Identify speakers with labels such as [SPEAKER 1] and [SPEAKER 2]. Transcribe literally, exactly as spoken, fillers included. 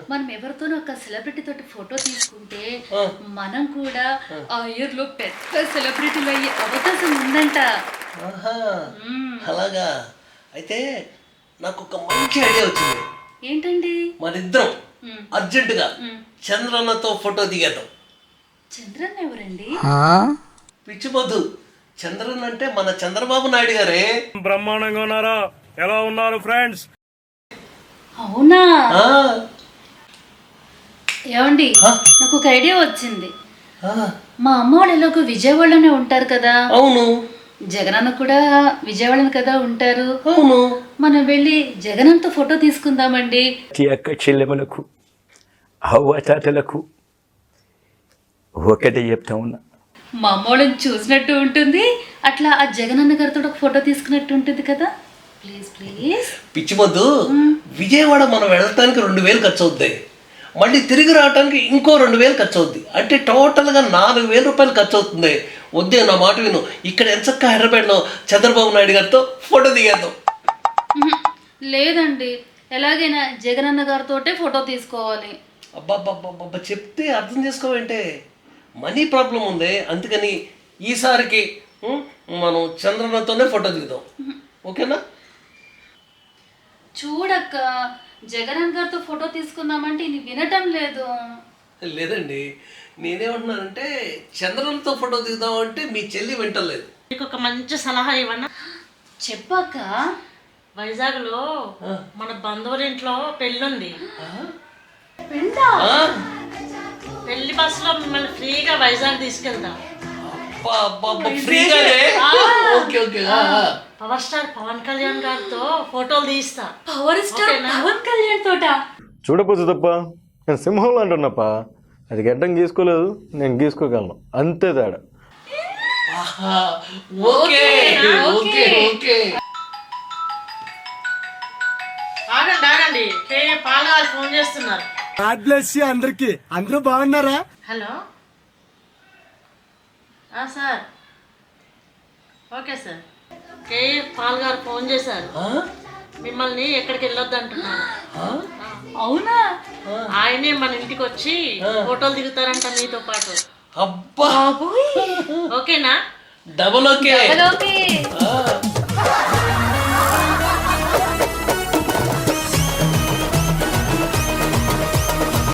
[SPEAKER 1] మనం ఎవరితోనో ఒక సెలబ్రిటీ తోటి ఫోటో తీసుకుంటే మనం కూడా ఆ ఇయర్ లో పెద్ద సెలబ్రిటీలు అయ్యే అవకాశం ఉందంట.
[SPEAKER 2] అలాగా అయితే నాకు ఒక మంచి ఐడియా వచ్చింది.
[SPEAKER 1] ఏంటండి?
[SPEAKER 2] మనిద్దరం అర్జెంటుగా చంద్రన్నతో ఫోటో దిగేద్దాం.
[SPEAKER 1] చంద్రన్న ఎవరండి?
[SPEAKER 2] పిచ్చి మధు, చంద్రన్ అంటే మన చంద్రబాబు నాయుడు గారే.
[SPEAKER 3] బ్రహ్మాండంగా ఉన్నారా? ఎలా ఉన్నారు ఫ్రెండ్స్?
[SPEAKER 1] అవునా? ఏమండి, నాకు ఒక ఐడియా వచ్చింది. మా అమ్మ వాళ్ళు ఎలాగో విజయవాడలోనే ఉంటారు కదా.
[SPEAKER 2] అవును.
[SPEAKER 1] జగనన్న కూడా విజయవాడలో కదా ఉంటారు.
[SPEAKER 2] అవును.
[SPEAKER 1] మనం వెళ్ళి జగనన్నతో ఫోటో తీసుకుందామండి.
[SPEAKER 4] అక్క చెల్లెములకు అవ్వతాతలకు ఒకటే చెప్తా ఉన్నా,
[SPEAKER 1] మా అమ్మ వాళ్ళని చూసినట్టు ఉంటుంది, అట్లా ఆ జగనన్న గారితో ఒక ఫోటో తీసుకున్నట్టు ఉంటుంది కదా. Please please.
[SPEAKER 2] పిచ్చి మధు, విజయవాడ మనం వెళ్ళటానికి రెండు వేలు ఖర్చు అవుతాయి, మళ్ళీ తిరిగి రావడానికి ఇంకో రెండు వేలు ఖర్చు అవుద్ది, అంటే టోటల్గా నాలుగు వేల రూపాయలు ఖర్చు అవుతుంది. వద్దే, నా మాట విను. ఇక్కడ ఎంచక్క హైదరాబాద్లో చంద్రబాబు నాయుడు గారితో ఫోటో దిగేద్దాం.
[SPEAKER 1] లేదండి, ఎలాగైనా జగనన్న గారితోటే ఫోటో తీసుకోవాలి.
[SPEAKER 2] అబ్బాబ్బాబ్బా, చెప్తే అర్థం చేసుకోవంటే మనీ ప్రాబ్లం ఉంది, అందుకని ఈసారికి మనం చంద్రన్నతోనే ఫోటో దిగుదాం. ఓకేనా?
[SPEAKER 1] చూడక్క, జగనన్న గారితో ఫోటో తీసుకుందామంటే ఇది వినటం లేదు.
[SPEAKER 2] లేదండి, నేనేమంటున్నానంటే చంద్రన్నతో ఫోటో దిగుదాం అంటే మీ చెల్లి వింటలేదు.
[SPEAKER 5] మీకు ఒక మంచి సలహా ఇవ్వనా?
[SPEAKER 1] చెప్పాక.
[SPEAKER 5] వైజాగ్లో మన బంధువుల ఇంట్లో పెళ్ళుంది. పెళ్లి బస్సులో మిమ్మల్ని ఫ్రీగా వైజాగ్ తీసుకెళ్తాం. పవర్ స్టార్ పవన్ కళ్యాణ్ గారితో ఫోటోలు తీస్తా.
[SPEAKER 1] పవర్ స్టార్ పవన్ కళ్యాణ్ తోట
[SPEAKER 6] చూడపోచ్చు తప్ప నేను సింహంలో అంటున్నప్ప, అది గడ్డం గీసుకోలేదు, నేను గీసుకోగలను, అంతే తేడా.
[SPEAKER 5] ఆగండి ఆగండి, పాల వాళ్ళు ఫోన్ చేస్తున్నారు.
[SPEAKER 7] గాడ్ బ్లెస్ యు అందరికి. అందరూ బాగున్నారా?
[SPEAKER 5] Hello sir. Okay sir. K Paul గారు ఫోన్ చేశారు, మిమ్మల్ని ఎక్కడికి వెళ్ళొద్దు అంటున్నారు.
[SPEAKER 1] అవునా?
[SPEAKER 5] ఆయనే మన ఇంటికి వచ్చి ఫోటోలు దిగుతారంట మీతో పాటు.
[SPEAKER 2] అబ్బా,
[SPEAKER 5] ఓకేనా?
[SPEAKER 2] Double okay.
[SPEAKER 1] ఓకే.